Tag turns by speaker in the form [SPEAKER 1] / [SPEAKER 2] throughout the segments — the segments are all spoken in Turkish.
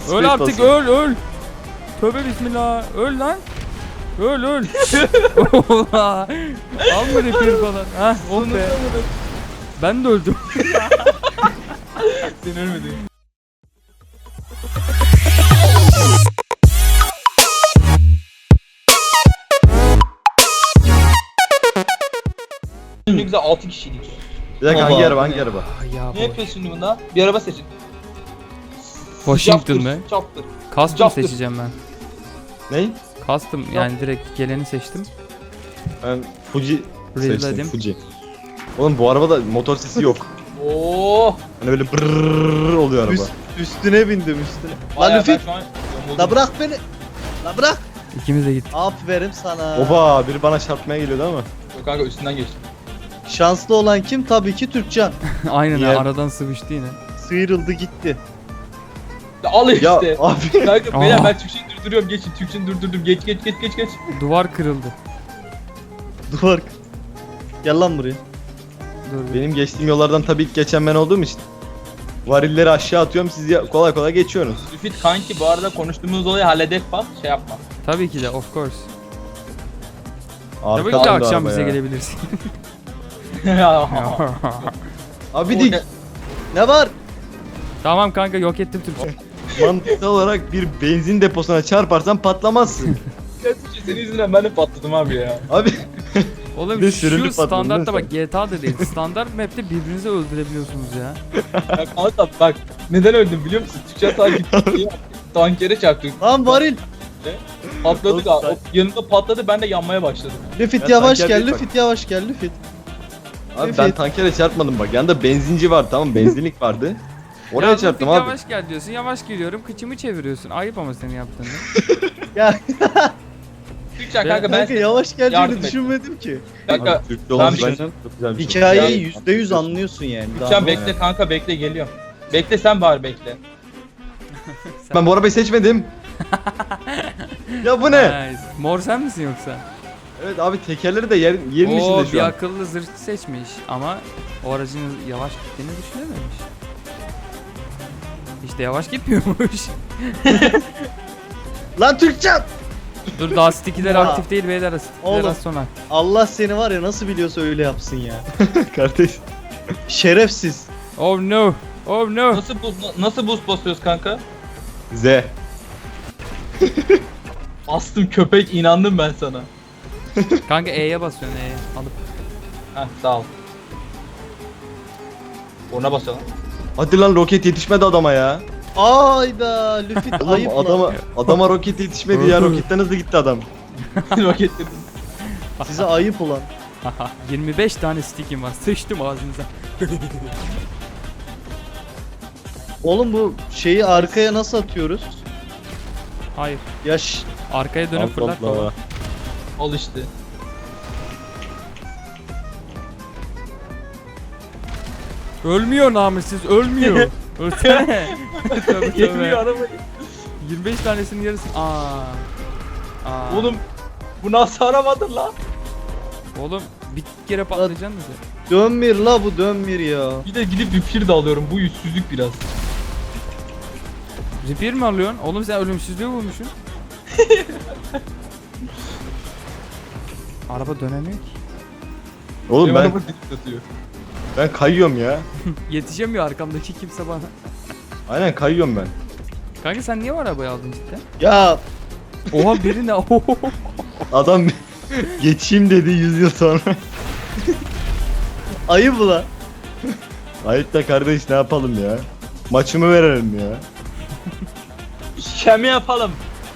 [SPEAKER 1] Öl artık,
[SPEAKER 2] basıyor.
[SPEAKER 1] öl. Tövbe bismillah. Öl lan. Öl. Ola. Alma repair falan. Hah, oh be. Ben de öldüm.
[SPEAKER 3] Sen ölmedin. Ne güzel 6 kişiydik.
[SPEAKER 2] Bir dakika
[SPEAKER 3] Baba.
[SPEAKER 2] hangi araba?
[SPEAKER 1] Ya
[SPEAKER 3] Ne yapıyorsun şimdi bunda? Bir araba seçin.
[SPEAKER 1] Washington mı?
[SPEAKER 3] Çaptır.
[SPEAKER 1] Custom
[SPEAKER 3] Captır.
[SPEAKER 1] seçeceğim ben.
[SPEAKER 2] Ne?
[SPEAKER 1] Custom yani direkt geleni seçtim.
[SPEAKER 2] Ben Fuji seçtim,
[SPEAKER 1] Rezledim.
[SPEAKER 2] Fuji. Oğlum bu arabada motor sesi yok.
[SPEAKER 3] Oo.
[SPEAKER 2] Hani böyle brrrr oluyor araba.
[SPEAKER 4] Üstüne bindim üstüne. Lan
[SPEAKER 3] Bayağı
[SPEAKER 4] Lüfit.
[SPEAKER 3] ben şu an yoruldum.
[SPEAKER 4] La bırak beni. La bırak.
[SPEAKER 1] İkimiz de gittik.
[SPEAKER 4] Aferin sana.
[SPEAKER 2] Oba biri bana çarpmaya geliyordu ama.
[SPEAKER 3] Yok kanka üstünden geçtim.
[SPEAKER 4] Şanslı olan kim? Tabii ki Türkcan.
[SPEAKER 1] Aynen
[SPEAKER 2] Niye?
[SPEAKER 1] aradan sıvıştı yine.
[SPEAKER 4] Sıyrıldı gitti.
[SPEAKER 3] Ya al işte.
[SPEAKER 2] Ya abi.
[SPEAKER 3] Kanka beyler
[SPEAKER 1] Aa.
[SPEAKER 3] ben Türkçeyi durduruyorum. Geçin Türkçeyi durdurdum. Geç.
[SPEAKER 1] Duvar kırıldı.
[SPEAKER 4] Duvar. Gel lan buraya.
[SPEAKER 1] Dur.
[SPEAKER 2] Benim geçtiğim yollardan tabii ilk geçen ben olduğum için. Varilleri aşağı atıyorum siz kolay kolay geçiyorsunuz.
[SPEAKER 3] Lüfit kanki bu arada konuştuğumuz olayı halledek bak şey yapma.
[SPEAKER 1] Tabii ki de of course. Tabii ki de
[SPEAKER 2] Arkadan da
[SPEAKER 1] akşam
[SPEAKER 2] araba
[SPEAKER 1] bize
[SPEAKER 2] ya.
[SPEAKER 1] gelebilirsin.
[SPEAKER 2] Abi dik.
[SPEAKER 4] Ne var?
[SPEAKER 1] Tamam kanka yok ettim Türkçe.
[SPEAKER 2] Mantıksal olarak bir benzin deposuna çarparsan patlamazsın.
[SPEAKER 3] Gerçekten senin yüzünden ben de patladım abi ya.
[SPEAKER 2] Abi
[SPEAKER 1] Oğlum
[SPEAKER 2] Bir
[SPEAKER 1] şu
[SPEAKER 2] sürülü patladın
[SPEAKER 1] standartta
[SPEAKER 2] değil mi
[SPEAKER 1] bak GTA'da değil. Standart map'te birbirinizi öldürebiliyorsunuz ya.
[SPEAKER 3] Ya kanka bak neden öldüm biliyor musun? Türkçe takip diye tankere çarptık.
[SPEAKER 4] Lan varil.
[SPEAKER 3] Patladık abi. O yanında patladı ben de yanmaya başladım.
[SPEAKER 4] Lüfit
[SPEAKER 2] Ya
[SPEAKER 4] yavaş
[SPEAKER 2] tanker
[SPEAKER 4] gel.
[SPEAKER 2] değil bak.
[SPEAKER 4] Lüfit yavaş gel. Lüfit.
[SPEAKER 2] Abi ben
[SPEAKER 4] Evet.
[SPEAKER 2] tankere çarpmadım bak. Yanında benzinci var tamam benzinlik vardı. Oraya
[SPEAKER 1] Ya
[SPEAKER 2] çarptım
[SPEAKER 1] Lütfi,
[SPEAKER 2] abi.
[SPEAKER 1] Yavaş gel diyorsun. Yavaş geliyorum. Kıçımı çeviriyorsun. Ayıp ama senin yaptığını.
[SPEAKER 4] Ya
[SPEAKER 3] Türkçe kanka ben
[SPEAKER 4] kanka yavaş
[SPEAKER 3] yardım
[SPEAKER 4] geleceğini
[SPEAKER 3] et.
[SPEAKER 4] düşünmedim ki.
[SPEAKER 3] kanka
[SPEAKER 2] Abi, Türkçe olması
[SPEAKER 3] ben-
[SPEAKER 2] bence çok güzel bir şey.
[SPEAKER 4] Hikayeyi %100 anlıyorsun yani. Daha
[SPEAKER 3] Türkçe
[SPEAKER 4] ne?
[SPEAKER 3] bekle kanka bekle geliyorum. Bekle sen bari bekle.
[SPEAKER 2] Ben bu arabayı seçmedim. Ya bu ne?
[SPEAKER 1] Nice. Mor sen misin yoksa?
[SPEAKER 2] Evet abi tekerleri de yerin
[SPEAKER 1] Oo
[SPEAKER 2] içinde
[SPEAKER 1] bir
[SPEAKER 2] şu an.
[SPEAKER 1] akıllı zırhçı seçmiş ama o aracın yavaş gittiğini düşünememiş. İşte yavaş gitmiyormuş.
[SPEAKER 4] Lan Türkcan.
[SPEAKER 1] Dur daha sticky'ler
[SPEAKER 4] Ya.
[SPEAKER 1] aktif değil beyler. Sticky'ler
[SPEAKER 4] Oğlum.
[SPEAKER 1] az sonra.
[SPEAKER 4] Allah seni var ya nasıl biliyorsa öyle yapsın ya.
[SPEAKER 2] Kardeş.
[SPEAKER 4] Şerefsiz.
[SPEAKER 1] Oh no. Oh no.
[SPEAKER 3] Nasıl boost basıyoruz kanka?
[SPEAKER 2] Z.
[SPEAKER 3] Astım köpek inandım ben sana.
[SPEAKER 1] Kanka E'ye basıyorsun E'ye alıp.
[SPEAKER 3] Heh sağ ol. Ona basalım.
[SPEAKER 2] Hadi lan roket yetişmedi adama ya.
[SPEAKER 4] Ayda Lüfit
[SPEAKER 2] Oğlum
[SPEAKER 4] ayıp lan.
[SPEAKER 2] adama roket yetişmedi ya roketten hızlı gitti adam.
[SPEAKER 3] Roketledim.
[SPEAKER 4] Size ayıp ulan.
[SPEAKER 1] 25 tane stickim var. Sıçtım ağzınıza.
[SPEAKER 4] Oğlum bu şeyi arkaya nasıl atıyoruz?
[SPEAKER 1] Hayır.
[SPEAKER 4] Yaş.
[SPEAKER 1] Arkaya dönüp fırlat
[SPEAKER 2] Allah.
[SPEAKER 1] baba.
[SPEAKER 3] Al işte.
[SPEAKER 1] Ölmüyor namussuz ölmüyor. Ölsene. Tövbe
[SPEAKER 3] Yetmiyor
[SPEAKER 1] tövbe.
[SPEAKER 3] arabayı.
[SPEAKER 1] 25 tanesinin yarısı. Aa.
[SPEAKER 3] Oğlum bu nasıl aramadın lan?
[SPEAKER 1] Oğlum bir kere patlayacaksın da sen.
[SPEAKER 4] Dönmür la bu dönmür ya.
[SPEAKER 3] Bir de gidip bir pir de alıyorum. Bu yüzsüzlük biraz.
[SPEAKER 1] Repair mi alıyorsun? Oğlum sen ölümsüzlüğü bulmuşsun. Araba dönemiyor ki.
[SPEAKER 2] Oğlum
[SPEAKER 3] Benim
[SPEAKER 2] ben
[SPEAKER 3] araba dik atıyor.
[SPEAKER 2] ben kayıyorum ya.
[SPEAKER 1] Yetişemiyor arkamdaki kimse bana.
[SPEAKER 2] Aynen kayıyorum ben.
[SPEAKER 1] Kanka sen niye o arabayı aldın cidden?
[SPEAKER 4] Ya
[SPEAKER 1] Oha biri ne?
[SPEAKER 2] Adam geçeyim dedi 100 yıl sonra.
[SPEAKER 4] ayıp ulan.
[SPEAKER 2] Ayıp da kardeş ne yapalım ya? Maçımı verelim ya.
[SPEAKER 3] Şemi yapalım.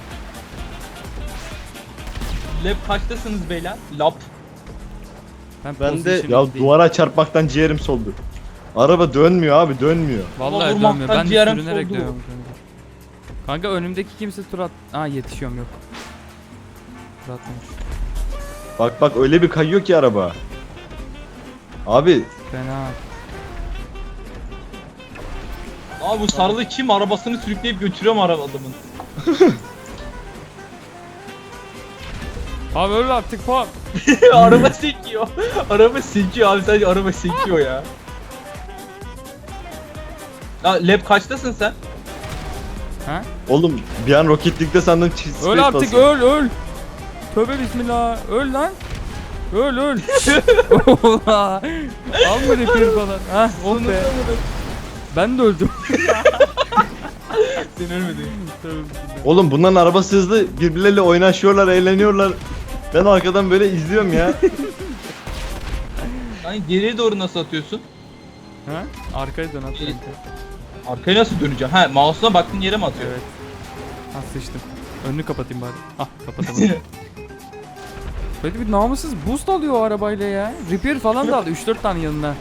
[SPEAKER 3] Lab kaçtasınız beyler? Lap.
[SPEAKER 4] Ben de-
[SPEAKER 1] positioning
[SPEAKER 2] Ya
[SPEAKER 1] değil.
[SPEAKER 2] duvara çarpmaktan ciğerim soldu. Araba dönmüyor abi dönmüyor.
[SPEAKER 1] Vallahi
[SPEAKER 3] Vurmaktan
[SPEAKER 1] dönmüyor. Ben de
[SPEAKER 3] ciğerim
[SPEAKER 1] sürünerek
[SPEAKER 3] soldu.
[SPEAKER 1] dönüyorum kanka. Kanka önümdeki kimse tur at... Aa yetişiyorum yok. Tur atmamış.
[SPEAKER 2] Bak öyle bir kayıyor ki araba. Abi
[SPEAKER 1] Fena.
[SPEAKER 3] Abi bu sarılı kim arabasını sürükleyip götürüyor mu adamın?
[SPEAKER 1] Abi öl artık pop.
[SPEAKER 3] Araba sekiyor. Araba sekiyor abi sadece araba sekiyor ya. Ya Lab kaçtasın sen?
[SPEAKER 1] Ha?
[SPEAKER 2] Oğlum bir an roketlikte sandım
[SPEAKER 1] Öl artık öl. Tövbe bismillah. Öl lan. Öl. Ola. Alma repair falan. Ha, oh be. Ben de öldüm.
[SPEAKER 3] Sen ölmedin.
[SPEAKER 2] Oğlum bunların arabası hızlı, birbirleriyle oynaşıyorlar, eğleniyorlar. Ben arkadan böyle izliyorum ya.
[SPEAKER 3] Hani geriye doğru nasıl atıyorsun?
[SPEAKER 1] Ha? Arkaya dön at.
[SPEAKER 3] İyi. Arkaya nasıl döneceğim? Ha, mouse'una baktığın yere mi atıyor?
[SPEAKER 1] Evet. Ha sıçtım. Önünü kapatayım bari. Ah kapatamadım. Böyle bir namussuz boost alıyor o arabayla ya. Repair falan da aldı 3-4 tane yanına.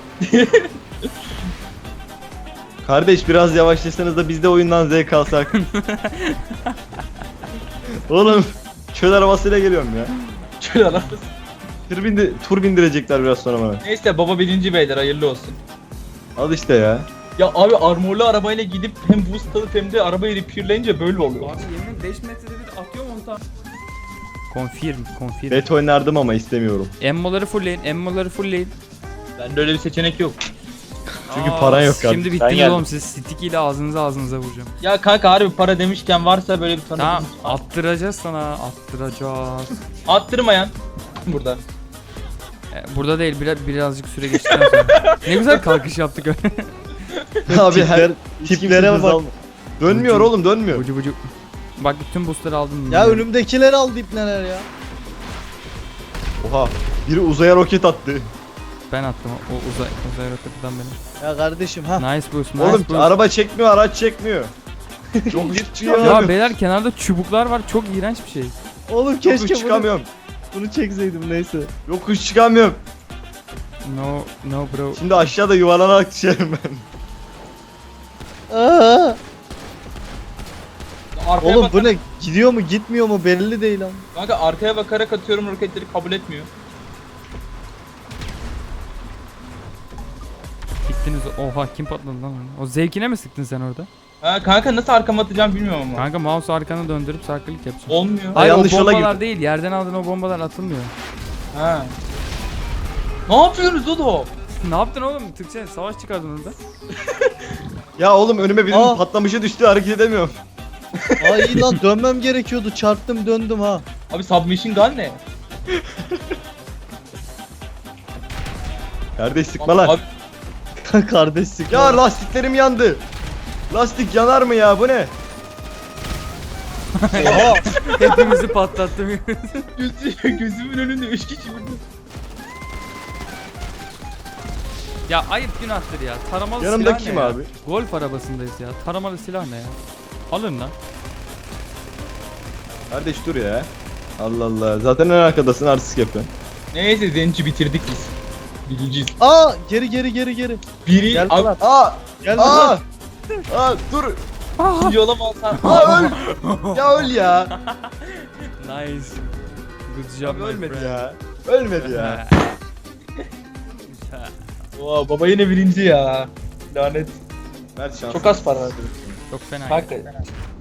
[SPEAKER 2] Kardeş biraz yavaşlasanız da biz de oyundan zevk alsak. Oğlum çöl arabasıyla geliyorum ya.
[SPEAKER 3] Şöyle alakası.
[SPEAKER 2] Tur bindirecekler biraz sonra bana.
[SPEAKER 3] Neyse baba birinci beyler hayırlı olsun.
[SPEAKER 2] Al işte ya.
[SPEAKER 3] Ya abi armorlu arabayla gidip hem boost alıp hem de arabayı repairleyince böyle oluyor.
[SPEAKER 1] Abi yemin 5 metrede bir atıyorum 10 tane. Confirm.
[SPEAKER 2] Bet oynardım ama istemiyorum.
[SPEAKER 1] Emmoları fullleyin.
[SPEAKER 3] Bende öyle bir seçenek yok.
[SPEAKER 2] Çünkü paran yok kardeşim.
[SPEAKER 1] Şimdi
[SPEAKER 2] Ben
[SPEAKER 1] bittiniz
[SPEAKER 2] geldim.
[SPEAKER 1] oğlum siz stick ile ağzınıza vuracağım.
[SPEAKER 3] Ya kanka harbi para demişken varsa böyle bir
[SPEAKER 1] Tamam
[SPEAKER 3] tanıdığınız.
[SPEAKER 1] attıracağız sana attıracağız.
[SPEAKER 3] Attırmayan burada.
[SPEAKER 1] Burada değil birazcık süre geçtikten sonra. Ne güzel kalkış yaptık öyle.
[SPEAKER 2] Abi her
[SPEAKER 4] tiplere bak.
[SPEAKER 2] Dönmüyor oğlum dönmüyor.
[SPEAKER 1] Bucu. Bak bütün boostları aldım.
[SPEAKER 4] Ya önümdekileri aldı ipneler ya.
[SPEAKER 2] Oha biri uzaya roket attı.
[SPEAKER 1] Ben attım o uzay roketinden benim.
[SPEAKER 4] Ya kardeşim ha.
[SPEAKER 1] Nice boost.
[SPEAKER 2] Oğlum araba çekmiyor araç çekmiyor. Çok çıkamıyorum.
[SPEAKER 1] Ya beyler kenarda çubuklar var çok iğrenç bir şey.
[SPEAKER 4] Oğlum
[SPEAKER 2] Yokuş
[SPEAKER 4] keşke
[SPEAKER 2] çıkamıyorum.
[SPEAKER 4] bunu çekseydim neyse.
[SPEAKER 2] Yokuş çıkamıyorum.
[SPEAKER 1] No bro.
[SPEAKER 2] Şimdi aşağıda yuvarlanarak düşerim ben.
[SPEAKER 4] Aa,
[SPEAKER 3] Arkaya
[SPEAKER 4] oğlum
[SPEAKER 3] bak-
[SPEAKER 4] bu ne? Gidiyor mu gitmiyor mu belli değil ama.
[SPEAKER 3] Kanka arkaya bakarak atıyorum roketleri kabul etmiyor.
[SPEAKER 1] Bittiniz. Oha kim patladı lan onu? O zevkine mi sıktın sen orada?
[SPEAKER 3] Ha kanka nasıl arkama atacağım bilmiyorum ama.
[SPEAKER 1] Kanka mouse arkana döndürüp sağ klik yapacaksın.
[SPEAKER 3] Olmuyor.
[SPEAKER 1] Hayır o
[SPEAKER 2] yanlış yola
[SPEAKER 1] bombalar
[SPEAKER 2] girdim.
[SPEAKER 1] değil. Yerden aldığın o bombalar atılmıyor.
[SPEAKER 3] Ha. Ne yapıyorsunuz oğlum?
[SPEAKER 1] Ne yaptın oğlum? Türkçe savaş çıkardın orada.
[SPEAKER 2] Ya oğlum önüme birinin
[SPEAKER 4] Aa.
[SPEAKER 2] patlamışı düştü hareket edemiyorum.
[SPEAKER 4] Ay iyi lan dönmem gerekiyordu. Çarptım döndüm ha.
[SPEAKER 3] Abi submachine gun ne?
[SPEAKER 2] Kardeş sıkma lan.
[SPEAKER 3] Abi,
[SPEAKER 4] Kardeş sıkma.
[SPEAKER 2] Ya lastiklerim yandı. Lastik yanar mı ya bu ne?
[SPEAKER 4] Oha.
[SPEAKER 1] Hepimizi patlattım.
[SPEAKER 3] gözümün önünde 3 kişi vurdu.
[SPEAKER 1] Ya ayıp günahtır ya. Taramalı
[SPEAKER 2] Yanımdaki
[SPEAKER 1] silah
[SPEAKER 2] kim
[SPEAKER 1] ne ya?
[SPEAKER 2] abi?
[SPEAKER 1] Golf arabasındayız ya. Taramalı silah ne ya? Alın lan.
[SPEAKER 2] Kardeş dur ya. Allah Allah. Zaten en arkadasın artistik yapıyorsun.
[SPEAKER 3] Neyse Zenci bitirdik biz. Birinciyiz.
[SPEAKER 4] Aa geri.
[SPEAKER 3] Biri
[SPEAKER 4] Gel
[SPEAKER 3] abi
[SPEAKER 4] lan.
[SPEAKER 2] Aa!
[SPEAKER 4] Gel
[SPEAKER 2] Aa!
[SPEAKER 4] lan.
[SPEAKER 2] Aa dur.
[SPEAKER 3] ikinci olamazsan.
[SPEAKER 2] Aa öl. Ya öl ya.
[SPEAKER 1] Nice. Good job
[SPEAKER 2] Abi
[SPEAKER 1] my
[SPEAKER 2] ölmedi
[SPEAKER 1] friend.
[SPEAKER 2] ya. Ölmedi ya.
[SPEAKER 3] Oo, baba yine birinci ya. Lanet.
[SPEAKER 2] Ver şans.
[SPEAKER 3] Çok az para verdi.
[SPEAKER 1] Çok fena.
[SPEAKER 3] Hakikaten.